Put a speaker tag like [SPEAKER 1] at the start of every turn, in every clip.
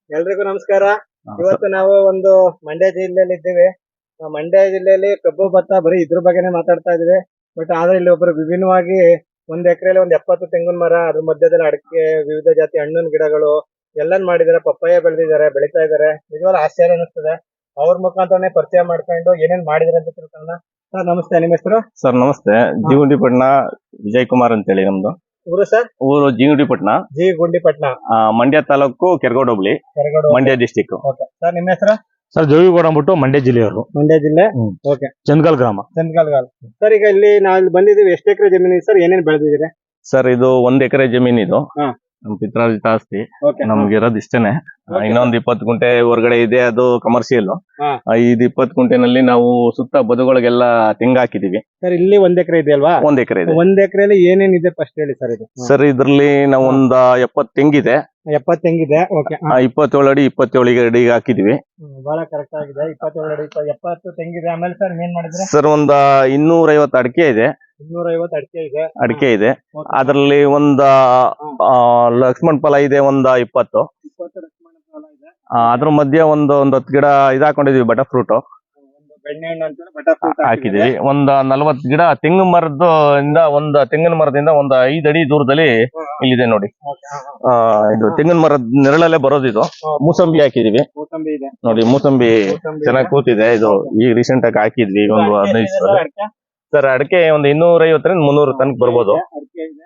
[SPEAKER 1] ಎಲ್ರಿಗೂ ನಮಸ್ಕಾರ. ಇವತ್ತು ನಾವು ಒಂದು ಮಂಡ್ಯ ಜಿಲ್ಲೆಯಲ್ಲಿ ಇದ್ದೀವಿ. ಮಂಡ್ಯ ಜಿಲ್ಲೆಯಲ್ಲಿ ಕಬ್ಬು ಭತ್ತ ಬರೀ ಇದ್ರ ಬಗ್ಗೆನೇ ಮಾತಾಡ್ತಾ ಇದೀವಿ. ಬಟ್ ಆದ್ರೆ ಇಲ್ಲಿ ಒಬ್ರು ವಿಭಿನ್ನವಾಗಿ ಒಂದ್ ಎಕರೆಯಲ್ಲಿ 70 ತೆಂಗಿನ ಮರ, ಅದ್ರ ಮಧ್ಯದಲ್ಲಿ ಅಡಿಕೆ, ವಿವಿಧ ಜಾತಿ ಹಣ್ಣಿನ ಗಿಡಗಳು ಎಲ್ಲಾನ್ ಮಾಡಿದಾರೆ. ಪಪ್ಪಾಯ ಬೆಳೆದಿದ್ದಾರೆ, ಬೆಳಿತಾ ಇದಾರೆ. ನಿಜವಾಗ್ಲೂ ಆಶ್ಚರ್ಯ ಅನಿಸ್ತದೆ. ಅವ್ರ ಮುಖಾಂತರನೇ ಪರಿಚಯ ಮಾಡ್ಕೊಂಡು ಏನೇನ್ ಮಾಡಿದಾರೆ ಅಂತ ತಿಳ್ಕೊಳ್ಳೋಣ. ಸರ್ ನಮಸ್ತೆ, ನಿಮ್ಮ ಹೆಸರು?
[SPEAKER 2] ಸರ್ ನಮಸ್ತೆ. ಜಿಗುಂಡಿಪಟ್ಟಣ ವಿಜಯ್ ಕುಮಾರ್ ಅಂತ ಹೇಳಿ ನಮ್ದು
[SPEAKER 1] ಊರು ಸರ್?
[SPEAKER 2] ಊರು ಜಿಗುಂಡಿಪಟ್ಟಣ,
[SPEAKER 1] ಗುಂಡಿಪಟ್ಟಣ,
[SPEAKER 2] ಮಂಡ್ಯ ತಾಲೂಕು, ಕೆರಗೋಡು ಹೋಬಳಿ, ಮಂಡ್ಯ ಡಿಸ್ಟಿಕ್.
[SPEAKER 1] ಸರ್ ನಿಮ್ಮ ಹೆಸರು?
[SPEAKER 3] ಸರ್ ಜೋಗಿಗೌಡ ಅಂದ್ಬಿಟ್ಟು ಮಂಡ್ಯ ಜಿಲ್ಲೆಯವರು.
[SPEAKER 1] ಮಂಡ್ಯ ಜಿಲ್ಲೆ. ಓಕೆ.
[SPEAKER 3] ಚಂದ್ಗಲ್ ಗ್ರಾಮ.
[SPEAKER 1] ಸರ್ ಈಗ ಇಲ್ಲಿ ನಾವು ಬಂದಿದ್ದೀವಿ. ಎಷ್ಟು ಎಕರೆ ಜಮೀನು ಸರ್? ಏನೇನ್ ಬೆಳೆದಿದ್ದೀರಿ?
[SPEAKER 2] ಸರ್ ಇದು 1 ಎಕರೆ ಜಮೀನ್. ಇದು
[SPEAKER 1] ಹಾ.
[SPEAKER 2] ನಮ್ ಪಿತ್ರಾರ್ಜಿತ ಆಸ್ತಿ.
[SPEAKER 1] ಓಕೆ.
[SPEAKER 2] ನಮ್ಗೆ ಇರೋದು ಇಷ್ಟೇನೆ. ಇನ್ನೊಂದ್ 20 ಗುಂಟೆ ಹೊರಗಡೆ ಇದೆ, ಅದು ಕಮರ್ಷಿಯಲ್.
[SPEAKER 1] ಹಾ.
[SPEAKER 2] ಇದು 20 ಗುಂಟೆನಲ್ಲಿ ನಾವು ಸುತ್ತ ಬದುಗಳಿಗೆಲ್ಲ ತೆಂಗು ಹಾಕಿದೀವಿ.
[SPEAKER 1] ಸರ್ ಇಲ್ಲಿ 1 ಎಕರೆ ಇದೆ ಅಲ್ವಾ?
[SPEAKER 2] 1 ಎಕರೆ ಇದೆ.
[SPEAKER 1] 1 ಎಕರೆಯಲ್ಲಿ ಏನೇನಿದೆ ಫಸ್ಟ್ ಹೇಳಿ ಸರ್. ಇದು
[SPEAKER 2] ಸರ್ ಇದ್ರಲ್ಲಿ ನಾವು ಒಂದ್ 70 ತೆಂಗಿದೆ.
[SPEAKER 1] 70 ತೆಂಗಿದೆ. ಓಕೆ.
[SPEAKER 2] 27 ಅಡಿ 27 ಅಡಿ ಹಾಕಿದೀವಿ.
[SPEAKER 1] ಬಹಳ ಕರೆಕ್ಟ್ ಆಗಿದೆ. 27 ಅಡಿ 70 ತೆಂಗಿದೆ. ಆಮೇಲೆ ಸರ್ ಏನ್ ಮಾಡಿದ್ರೆ?
[SPEAKER 2] ಸರ್ ಒಂದ್ 250 ಅಡಿಕೆ ಇದೆ.
[SPEAKER 1] 250
[SPEAKER 2] ಅಡಿಕೆ ಇದೆ. ಅದ್ರಲ್ಲಿ ಒಂದ್ ಲಕ್ಷ್ಮಣ ಫಲ ಇದೆ, ಒಂದ್ 20.
[SPEAKER 1] 20 ಲಕ್ಷ್ಮಣ ಫಲ ಇದೆ.
[SPEAKER 2] ಅದ್ರ ಮಧ್ಯೆ ಒಂದ್ 10 ಗಿಡ ಇದಾಕೊಂಡಿದೀವಿ, ಬಟರ್ ಫ್ರೂಟ್
[SPEAKER 1] ಒಂದು ಬೆಣ್ಣೆ ಹಣ್ಣು ಅಂತ ಬಟರ್ ಫ್ರೂಟ್
[SPEAKER 2] ಹಾಕಿದೀವಿ. ಒಂದ್ 40 ಗಿಡ ತೆಂಗು ಮರದಿಂದ ತೆಂಗಿನ ಮರದಿಂದ ಒಂದ್ 5 ಅಡಿ ದೂರದಲ್ಲಿ ಇಲ್ಲಿದೆ ನೋಡಿ. ಇದು ತೆಂಗಿನ ಮರದ ನೆರಳಲ್ಲೇ ಬರೋದು. ಇದು ಮೂಸಂಬಿ ಹಾಕಿದೀವಿ.
[SPEAKER 1] ಮೂಸಂಬಿ ಇದೆ
[SPEAKER 2] ನೋಡಿ, ಮೂಸಂಬಿ ಚೆನ್ನಾಗಿ ಕೂತಿದೆ. ಇದು ಈಗ ರೀಸೆಂಟ್ ಆಗಿ ಹಾಕಿದ್ವಿ ಒಂದು 15 ದಿವಸ. ಸರ್ ಅಡಿಕೆ ಒಂದ್ 250ರಿಂದ 300 ತನಕ ಬರ್ಬೋದು.
[SPEAKER 1] ಅಡಿಕೆ ಇದೆ.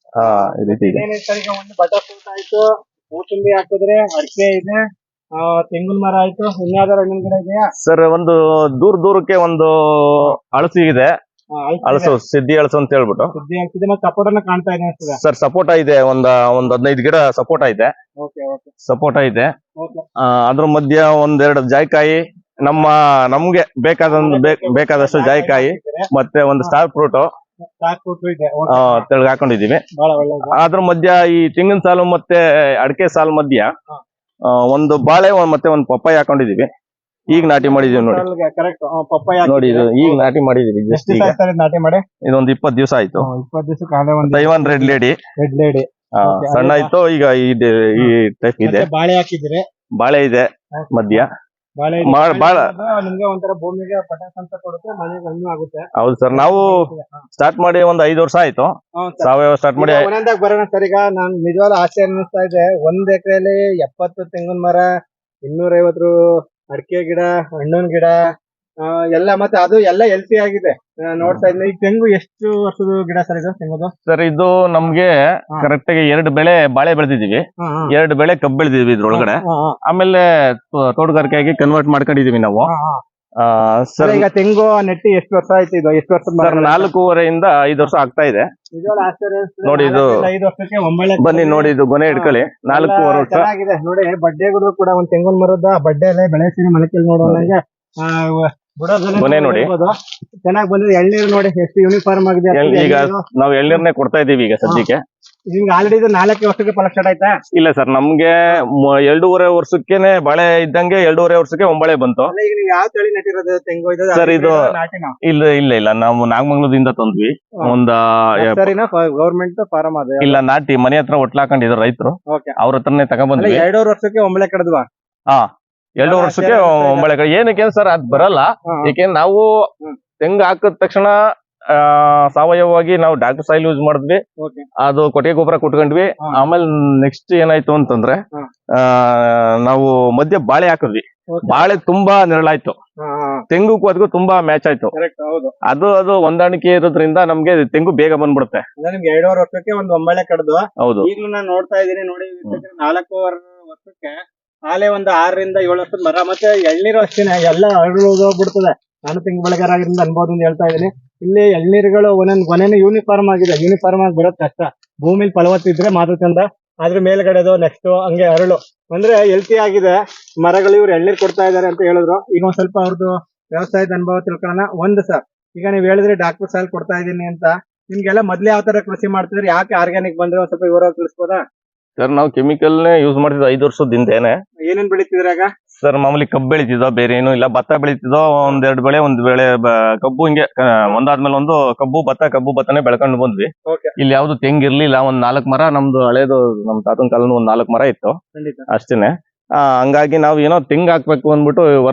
[SPEAKER 2] ಈ ರೀತಿ ಇದೆ.
[SPEAKER 1] ಈಗ ಒಂದು ಬಟರ್ ಫ್ರೂಟ್ ಆಯ್ತು, ಮೂಸಂಬಿ ಹಾಕಿದ್ರೆ, ಅಡಿಕೆ ಇದೆ, ತೆಂಗಿನ ಮರ ಆಯ್ತು. ಇನ್ಯಾವ್ದಾರ ಹಣ್ಣಿನ ಗಿಡ ಇದೆಯಾ
[SPEAKER 2] ಸರ್? ಒಂದು ದೂರಕ್ಕೆ ಒಂದು ಹಳಸಿ ಇದೆ. ಹಳಸು, ಸಿದ್ದಿ ಹಳಸು ಅಂತ ಹೇಳ್ಬಿಟ್ಟು.
[SPEAKER 1] ಸುದ್ದಿ ಆಗ್ತಿದೆ. ಮತ್ತೆ ಸಪೋರ್ಟನ್ನ ಕಾಣ್ತಾ ಇದೆ ಅನ್ಸ್ತದೆ.
[SPEAKER 2] ಸರ್ ಸಪೋಟ ಇದೆ, ಒಂದ್ 15 ಗಿಡ ಸಪೋಟ ಇದೆ. ಸಪೋಟ ಇದೆ. ಅದ್ರ ಮಧ್ಯ 1-2 ಜಾಯಿಕಾಯಿ, ನಮ್ಗೆ ಬೇಕಾದಷ್ಟು ಜಾಯಿಕಾಯಿ, ಮತ್ತೆ ಒಂದು ಸ್ಟಾರ್ ಫ್ರೂಟ್ ತೆಳಗ್ ಹಾಕೊಂಡಿದೀವಿ. ಅದ್ರ ಮಧ್ಯ ಈ ತೆಂಗಿನ ಸಾಲು ಮತ್ತೆ ಅಡಿಕೆ ಸಾಲು ಮಧ್ಯ ಒಂದು ಬಾಳೆ ಮತ್ತೆ ಒಂದು ಪಪ್ಪಾಯ ಹಾಕೊಂಡಿದೀವಿ. ಈಗ ನಾಟಿ ಮಾಡಿದೀವಿ ನೋಡಿ. ನೋಡಿ, ಇದು ಈಗ ನಾಟಿ ಮಾಡಿದೀವಿ. ಜಸ್ಟ್ ಈಗ
[SPEAKER 1] ನಾಟಿ ಮಾಡಿ
[SPEAKER 2] ಇದೊಂದು 20 ದಿವಸ ಆಯ್ತು.
[SPEAKER 1] 20 ದಿವಸ.
[SPEAKER 2] ತೈವಾನ್ ರೆಡ್ ಲೇಡಿ ಸಣ್ಣ ಆಯ್ತು. ಈಗ ಈ ಟೈಪ್ ಇದೆ.
[SPEAKER 1] ಬಾಳೆ ಹಾಕಿದ್ರೆ,
[SPEAKER 2] ಬಾಳೆ ಇದೆ ಮಧ್ಯ.
[SPEAKER 1] ನಿಮ್ಗೆ ಒಂಥರ ಭೂಮಿಗೆ ಪಟಾಸ್ ಅಂತ ಕೊಡುತ್ತೆ, ಮನೆಗೆ ಹಣ್ಣು ಆಗುತ್ತೆ.
[SPEAKER 2] ಹೌದು ಸರ್. ನಾವು ಸ್ಟಾರ್ಟ್ ಮಾಡಿ ಒಂದ್ 5 ವರ್ಷ ಆಯ್ತು. ಸಾವಯವ ಸ್ಟಾರ್ಟ್ ಮಾಡಿ.
[SPEAKER 1] ಒಂದೊಂದಾಗ ಬರೋಣ ಸರ್. ಈಗ ನಾನ್ ನಿಜವಾದ ಆಶ್ಚರ್ಯ ಅನ್ನಿಸ್ತಾ ಇದೆ. 1 ಎಕರೆಯಲ್ಲಿ 70 ತೆಂಗಿನ ಮರ, 250 ಅಡಿಕೆ ಗಿಡ, ಹಣ್ಣಿನ ಗಿಡ ಎಲ್ಲ, ಮತ್ತೆ ಅದು ಎಲ್ಲ ಹೆಲ್ತಿ ಆಗಿದೆ ನೋಡ್ತಾ ಇದ್ದೀನಿ. ಈಗ ತೆಂಗು ಎಷ್ಟು ವರ್ಷದ ಗಿಡ ಸರ್ ಇದು? ತೆಂಗುದು
[SPEAKER 2] ಸರ್ ಇದು ನಮ್ಗೆ ಕರೆಕ್ಟ್ ಆಗಿ 2 ಬೆಳೆ ಬಾಳೆ ಬೆಳೆದಿದೀವಿ, 2 ಬೆಳೆ ಕಬ್ಬು ಬೆಳೆದಿದ್ವಿ ಇದ್ರೊಳಗಡೆ. ಆಮೇಲೆ ತೋಟಗಾರಿಕೆಯಾಗಿ ಕನ್ವರ್ಟ್ ಮಾಡ್ಕೊಂಡಿದೀವಿ ನಾವು.
[SPEAKER 1] ಸರ್ ಈಗ ತೆಂಗು ನೆಟ್ಟಿ ಎಷ್ಟು ವರ್ಷ ಆಯ್ತು? ಇದು ಎಷ್ಟು ವರ್ಷ?
[SPEAKER 2] 4.5 5 ವರ್ಷ ಆಗ್ತಾ ಇದೆ. ನೋಡಿ, ಇದು
[SPEAKER 1] 5 ವರ್ಷಕ್ಕೆ ಒಮ್ಮೆಲೆ
[SPEAKER 2] ಬನ್ನಿ ನೋಡಿ, ಇದು ಗೊನೆ ಇಟ್ಕೊಳ್ಳಿ. 4.5 ವರ್ಷ
[SPEAKER 1] ಚೆನ್ನಾಗಿದೆ ನೋಡಿ. ಬಡ್ಡೆಗಳು ಕೂಡ ಒಂದು ತೆಂಗಿನ ಮರದ ಬಡ್ಡೆ ಎಲ್ಲ ಬೆಳೆಸಿ ಮನೆಯಲ್ಲಿ ನೋಡುವಂಗೆ
[SPEAKER 2] ಗೊನೆ ನೋಡಿ
[SPEAKER 1] ಚೆನ್ನಾಗಿ ಬಂದಿದೆ. ಎಳ್ನೀರು ನೋಡಿ ಎಷ್ಟು ಯೂನಿಫಾರ್ಮ್ ಆಗಿದೆ.
[SPEAKER 2] ಈಗ ನಾವು ಎಳ್ನೀರ್ನೇ ಕೊಡ್ತಾ ಇದೀವಿ ಈಗ ಸದ್ಯಕ್ಕೆ.
[SPEAKER 1] ನಿಮ್ಗೆ ಆಲ್ರೆಡಿ ಇದು 4 ವರ್ಷಕ್ಕೆ ಫಲ ಸ್ಟಾರ್ಟ್ ಆಯ್ತಾ?
[SPEAKER 2] ಇಲ್ಲ ಸರ್, ನಮ್ಗೆ 2.5 ವರ್ಷಕ್ಕೇನೆ ಬಾಳೆ ಇದ್ದಂಗೆ 2.5 ವರ್ಷಕ್ಕೆ ಒಂಬಳೆ ಬಂತು.
[SPEAKER 1] ಈಗ ನೀವು ಯಾವ ತಳಿ ನೆಟ್ಟಿರೋದು ತೆಂಗು?
[SPEAKER 2] ಸರ್ ಇದು ಇಲ್ಲ ನಾವು ನಾಗಮಂಗಲದಿಂದ ತಂದ್ವಿ.
[SPEAKER 1] ಗವರ್ಮೆಂಟ್ ಫಾರಂ ಅದು? ಇಲ್ಲ,
[SPEAKER 2] ನಾಟಿ ಮನೆ ಹತ್ರ ಒಟ್ಲಾಕೊಂಡಿದ್ರು ರೈತರು, ಅವ್ರ ಹತ್ರನೇ ತಗೊಂಡ್ಬಂದ್ವಿ.
[SPEAKER 1] 2.5 ವರ್ಷಕ್ಕೆ ಒಂಬಳೆ ಕಡದ್ವಾ?
[SPEAKER 2] 2 ವರ್ಷಕ್ಕೆ ಒಂಬಳೆ. ಏನಕ್ಕೆ ಸರ್ ಅದ್ ಬರಲ್ಲ. ಏಕೆಂದ್ರೆ ನಾವು ತೆಂಗು ಹಾಕಿದ ತಕ್ಷಣ ಸಾವಯವವಾಗಿ ನಾವು ಡಾಕ್ಟರ್ ಸಾಯಿಲ್ ಯೂಸ್ ಮಾಡಿದ್ವಿ. ಅದು ಕೊಟ್ಟಿಗೆ ಗೊಬ್ಬರ ಕೊಟ್ಕೊಂಡ್ವಿ. ಆಮೇಲೆ ನೆಕ್ಸ್ಟ್ ಏನಾಯ್ತು ಅಂತಂದ್ರೆ, ನಾವು ಮಧ್ಯ ಬಾಳೆ ಹಾಕಿದ್ವಿ. ಬಾಳೆ ತುಂಬಾ ನೆರಳಾಯ್ತು. ತೆಂಗುಕ್ಕೂ ಅದಕ್ಕೂ ತುಂಬಾ ಮ್ಯಾಚ್ ಆಯ್ತು. ಅದು ಹೊಂದಾಣಿಕೆ ಇರೋದ್ರಿಂದ ನಮ್ಗೆ ತೆಂಗು ಬೇಗ ಬಂದ್ಬಿಡುತ್ತೆ.
[SPEAKER 1] ನಿಮ್ಗೆ 2.5 ವರ್ಷಕ್ಕೆ ಒಂದು ಒಂಬಳೆ ಕಡ್ದು.
[SPEAKER 2] ಹೌದು.
[SPEAKER 1] ಈಗಲೂ ನಾನು ನೋಡ್ತಾ ಇದೀನಿ ನೋಡಿ. 4.5 ವರ್ಷಕ್ಕೆ ಆಲೆ ಒಂದು 6ರಿಂದ 7 ವರ್ಷದ ಮರ. ಮತ್ತೆ ಎಳ್ನೀರು ಅಷ್ಟೇನೆ, ಎಲ್ಲ ಹೋಗ್ಬಿಡ್ತದೆ. ನಾನು ತೆಂಗು ಬೆಳೆಗಾರ ಆಗಿರಿಂದ ಅನ್ಬೋದು ಅಂತ ಹೇಳ್ತಾ ಇದೀನಿ. ಇಲ್ಲಿ ಎಳ್ನೀರುಗಳು ಒಂದೊಂದು ಕೊನೆನೂ ಯೂನಿಫಾರ್ಮ್ ಆಗಿದೆ. ಯೂನಿಫಾರ್ಮ್ ಆಗಿ ಬರೋದ್ ಕಷ್ಟ. ಭೂಮಿಲಿ ಫಲವತ್ತಿದ್ರೆ ಮಾತ್ರ ಚಂದ. ಅದ್ರ ಮೇಲ್ಗಡೆದು ನೆಕ್ಸ್ಟ್ ಹಂಗೆ ಅರಳು ಅಂದ್ರೆ ಹೆಲ್ತಿ ಆಗಿದೆ ಮರಗಳು. ಇವ್ರು ಎಳ್ನೀರು ಕೊಡ್ತಾ ಇದಾರೆ ಅಂತ ಹೇಳಿದ್ರು. ಈಗ ಒಂದ್ ಸ್ವಲ್ಪ ಅವ್ರದ್ದು ವ್ಯವಸಾಯದ ಅನುಭವ ತಿಳ್ಕೊಳ್ಳೋಣ. ಒಂದು ಸರ್, ಈಗ ನೀವ್ ಹೇಳಿದ್ರಿ ಡಾಕ್ಟರ್ ಸಾಯಿಲ್ ಕೊಡ್ತಾ ಇದೀನಿ ಅಂತ. ನಿಮ್ಗೆಲ್ಲ ಮೊದ್ಲೇ ಯಾವ ತರ ಕೃಷಿ ಮಾಡ್ತಿದ್ರಿ? ಯಾಕೆ ಆರ್ಗ್ಯಾನಿಕ್ ಬಂದ್ರೆ ಒಂದ್ ಸ್ವಲ್ಪ ವಿವರವಾಗಿ ತಿಳಿಸ್ಬೋದಾ?
[SPEAKER 2] ಸರ್ ನಾವು ಕೆಮಿಕಲ್ನೇ ಯೂಸ್ ಮಾಡ್ತಿದ್ವಿ 5 ವರ್ಷದಿಂದೇನೆ.
[SPEAKER 1] ಏನೇನ್ ಬೆಳಿತಿದ್ರಾಗ?
[SPEAKER 2] ಸರ್ ಮಾಮೂಲಿ ಕಬ್ಬು ಬೆಳಿತಿದ್ದೋ, ಬೇರೆ ಏನು ಇಲ್ಲ. ಭತ್ತ ಬೆಳಿತಿದ್ದೋ, 1-2 ಬೆಳೆ. ಒಂದು ಬೆಳೆ ಕಬ್ಬು, ಹಿಂಗೆ ಒಂದಾದ್ಮೇಲೆ ಒಂದು ಕಬ್ಬು ಭತ್ತನೇ ಬೆಳ್ಕೊಂಡು ಬಂದ್ವಿ. ಇಲ್ಲಿ ಯಾವ್ದು ತೆಂಗಿರ್ಲಿಲ್ಲ. 1-4 ಮರ ನಮ್ದು ಹಳೇದು, ನಮ್ ತಾತನ ಕಾಲದ 1-4 ಮರ ಇತ್ತು ಅಷ್ಟೇನೆ. ಹಂಗಾಗಿ ನಾವು ಏನೋ ತೆಂಗ್ ಹಾಕ್ಬೇಕು ಅಂದ್ಬಿಟ್ಟು